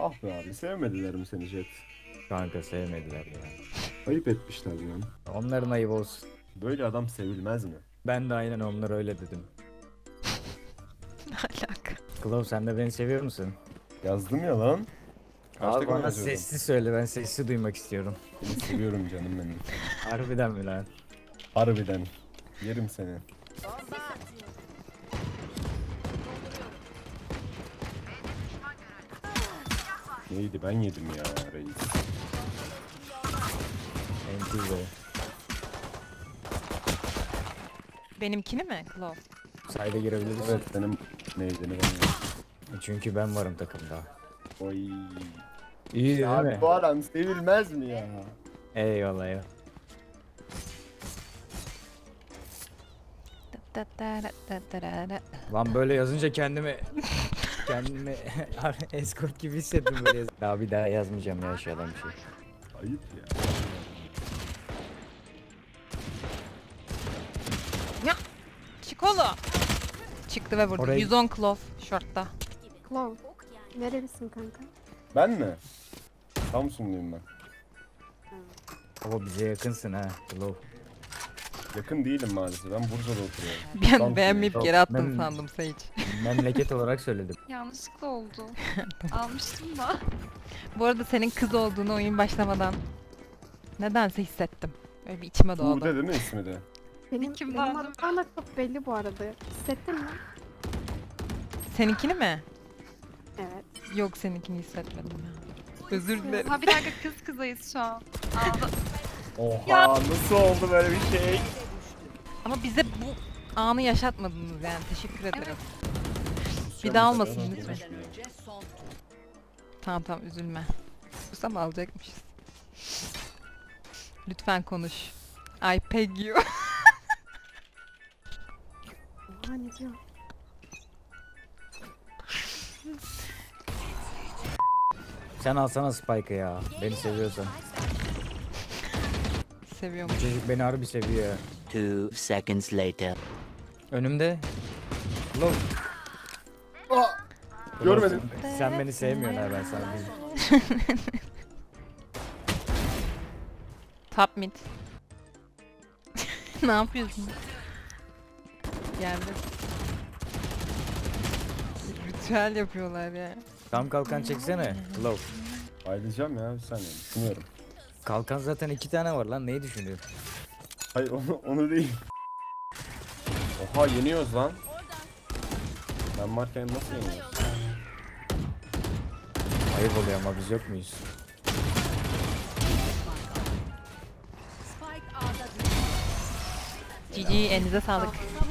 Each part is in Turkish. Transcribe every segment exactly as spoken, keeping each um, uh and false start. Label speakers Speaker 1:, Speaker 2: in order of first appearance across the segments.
Speaker 1: Ah be abi, sevmediler mi seni Jet?
Speaker 2: Kanka sevmediler ya.
Speaker 1: Ayıp etmişler lan.
Speaker 2: Onların ayıbı olsun.
Speaker 1: Böyle adam sevilmez mi?
Speaker 2: Ben de aynen onlara öyle dedim.
Speaker 3: Ne alaka?
Speaker 2: Klov sen de beni seviyor musun?
Speaker 1: Yazdım ya lan. Kaç
Speaker 2: Abi
Speaker 1: takım
Speaker 2: bana
Speaker 1: yazıyordum?
Speaker 2: sessiz söyle, ben sessiz duymak istiyorum.
Speaker 1: Seni seviyorum canım benim.
Speaker 2: Harbiden mi lan?
Speaker 1: Harbiden. Yerim seni. Neydi, ben yedim ya reis.
Speaker 2: Entizo.
Speaker 3: Benimkini mi Claw?
Speaker 2: Sayda girebiliriz.
Speaker 1: Evet, benim neydi ben yedim.
Speaker 2: Çünkü ben varım takımda.
Speaker 1: Oy.
Speaker 2: İyi değil
Speaker 1: Abi
Speaker 2: mi?
Speaker 1: bu adam sevilmez mi ya?
Speaker 2: Eyvallah ya.
Speaker 3: Da da da da da da da.
Speaker 2: Lan böyle yazınca kendimi kendimi escort gibi hissettim böyle yaz- Daha bir daha yazmayacağım ya aşağıdan bir şey.
Speaker 1: Ayıp ya.
Speaker 3: Ya Çikolo. Çıktı ve vurdu.
Speaker 2: Oraya-
Speaker 3: yüz on Claw short'ta.
Speaker 4: Claw. Nerelisin kanka?
Speaker 1: Ben mi? Samsunluyum ben.
Speaker 2: Baba bize yakınsın ha. Klov.
Speaker 1: Yakın değilim maalesef. Ben Bursa'da oturuyorum.
Speaker 3: Bir an
Speaker 1: Samsunluyum.
Speaker 3: beğenmeyip
Speaker 2: Yok,
Speaker 3: geri attım
Speaker 2: ben-
Speaker 3: sandım Sage.
Speaker 2: Memleket olarak söyledim.
Speaker 5: Yanlışlıkla oldu. Almıştım da.
Speaker 3: Bu arada senin kız olduğunu oyun başlamadan nedense hissettim. Böyle bir içime doğdu.
Speaker 1: Tuğde değil mi ismi de?
Speaker 4: Benim,
Speaker 5: Kim
Speaker 4: benim
Speaker 5: vardı?
Speaker 4: adım bana çok belli bu arada. Hissettin mi?
Speaker 3: Seninkini mi?
Speaker 4: Evet.
Speaker 3: Yok seninkini hissetmedim ya. Özür dilerim.
Speaker 5: Ha bir dakika kız kızayız şu an. Aldı.
Speaker 1: Oha, nasıl oldu böyle bir şey?
Speaker 3: Ama bize bu anı yaşatmadınız yani. Teşekkür ederim. Bir daha olmasın lütfen. Tamam tamam üzülme. Susam alacakmışız. Lütfen konuş. I peg you.
Speaker 4: Oha ne diyor?
Speaker 2: Sen alsana Spike'ı ya. Beni seviyorsan.
Speaker 3: Seviyorum.
Speaker 2: Bu çocuk beni harbi seviyor ya.
Speaker 6: Two seconds later.
Speaker 2: Önümde. Klov.
Speaker 1: Görmedim.
Speaker 2: Sen, sen beni sevmiyorsun ha, ben sana diyeyim.
Speaker 3: Top mid. Ne yapıyorsun? Geldi. Ritüel yapıyorlar ya.
Speaker 2: Tam kalkan çeksene. Klov.
Speaker 1: Ayrılacağım ya, bir saniye düşünüyorum.
Speaker 2: Kalkan zaten iki tane var lan, neyi düşünüyorsun?
Speaker 1: Hayır, onu, onu değil. Oha, yeniyoruz lan. Ben varken nasıl yeniyoruz?
Speaker 2: Ayıp oluyor ama biz yok muyuz?
Speaker 3: G G elinize sağlık.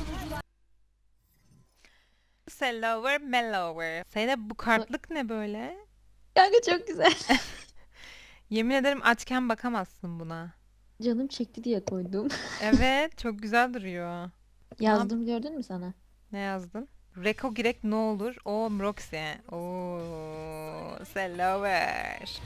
Speaker 3: Sellower mellower. Senin bu kartlık ne böyle?
Speaker 7: Kanka çok güzel.
Speaker 3: Yemin ederim açken bakamazsın buna.
Speaker 7: Canım çekti diye koydum.
Speaker 3: Evet çok güzel duruyor.
Speaker 7: Yazdım gördün mü sana?
Speaker 3: Ne yazdın? Reko girek ne olur? O Roxy. Oo, Sellower.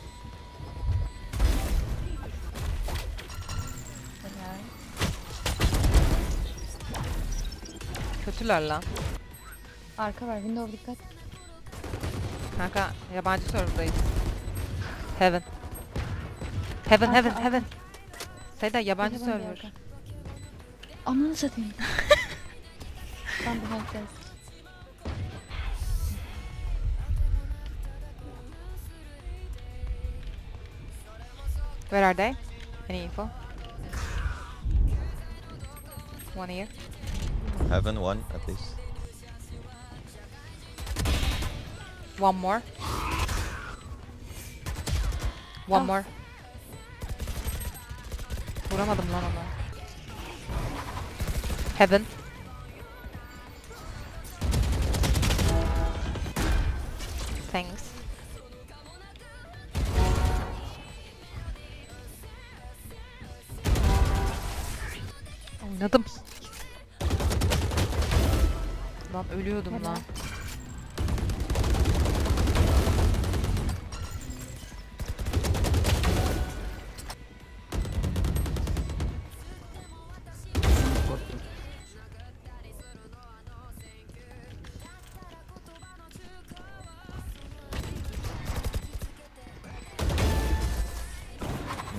Speaker 3: Kötüler lan.
Speaker 7: Arka var, window dikkat.
Speaker 3: Kanka yabancı serverdayız. Heaven. Heaven,
Speaker 7: Arka,
Speaker 3: heaven,
Speaker 7: arka.
Speaker 3: heaven. Seyda yabancı
Speaker 7: Yabancı
Speaker 3: server.
Speaker 7: arka. Amanı satayım. Ben bu herkes.
Speaker 3: Where are they? Any info? One here.
Speaker 8: Heaven one at least.
Speaker 3: One more. One
Speaker 7: Ah.
Speaker 3: more. Vuramadım lan onu. Heaven. Thanks. Oynadım. Lan ölüyordum
Speaker 7: Helal.
Speaker 3: lan.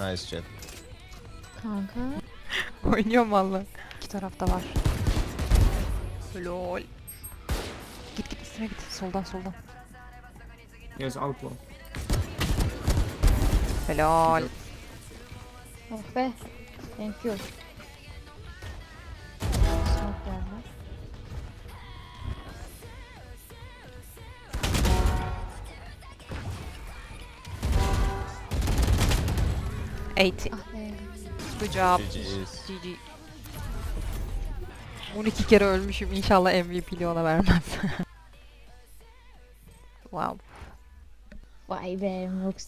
Speaker 8: Nice Jet.
Speaker 7: Kanka.
Speaker 3: Oynuyorum valla. İki tarafta var. Lol. Git git üstüne git. Soldan soldan.
Speaker 2: Yes, outlaw.
Speaker 3: Helal.
Speaker 7: Oh be. Thank you. Smoke geldi.
Speaker 3: eighty.
Speaker 7: Ah be.
Speaker 3: Good job.
Speaker 8: G G's.
Speaker 3: G G. on iki kere ölmüşüm. İnşallah M V P'li ona vermez. Wow.
Speaker 7: Vay be Rox.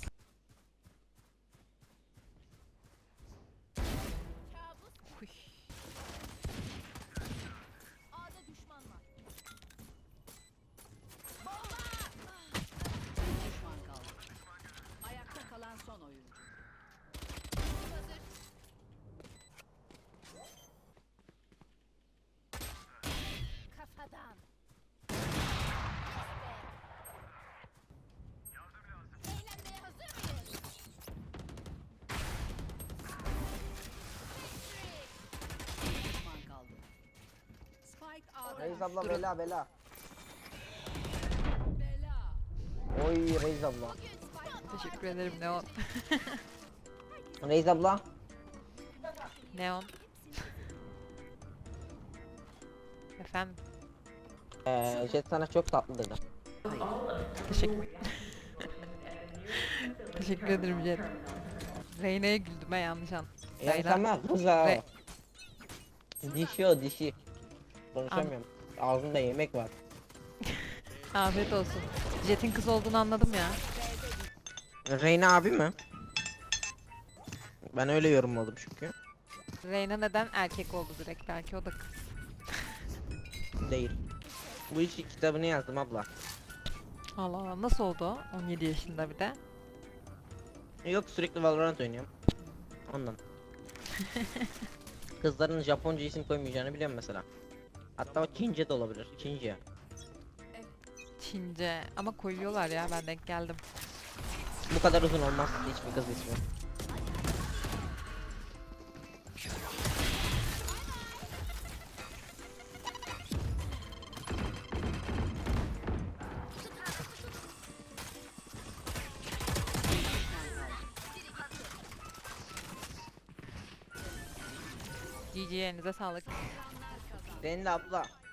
Speaker 9: Reis abla bela bela. Oy Reis abla.
Speaker 3: Teşekkür ederim Neon.
Speaker 9: Reis abla.
Speaker 3: Neon. Efendim.
Speaker 9: Ee, Jet sana çok tatlı dedi.
Speaker 3: Teşekkür. Teşekkür ederim Jet. Reyna'ya güldüm ben yanlış an.
Speaker 9: Yani
Speaker 3: Reyna-
Speaker 9: tamam kıza.
Speaker 3: Re-
Speaker 9: Dişi o dişi. Konuşamıyorum. Ağzında yemek var.
Speaker 3: Afiyet olsun. Jet'in kız olduğunu anladım ya.
Speaker 9: Reyna abi mi? Ben öyle yorumladım çünkü.
Speaker 3: Reyna neden erkek oldu direkt? Belki o da kız.
Speaker 9: Değil. Bu işi kitabını yazdım abla.
Speaker 3: Allah Allah nasıl oldu o? on yedi yaşında bir de.
Speaker 9: Yok sürekli Valorant oynuyorum. Ondan. Kızların Japonca isim koymayacağını biliyorum mesela. Hatta o Çince de olabilir. Çince.
Speaker 3: Çince. Ama koyuyorlar ya ben denk geldim.
Speaker 9: Bu kadar uzun olmaz hiçbir kız ismi.
Speaker 3: G G elinize sağlık.
Speaker 9: Senin de abla.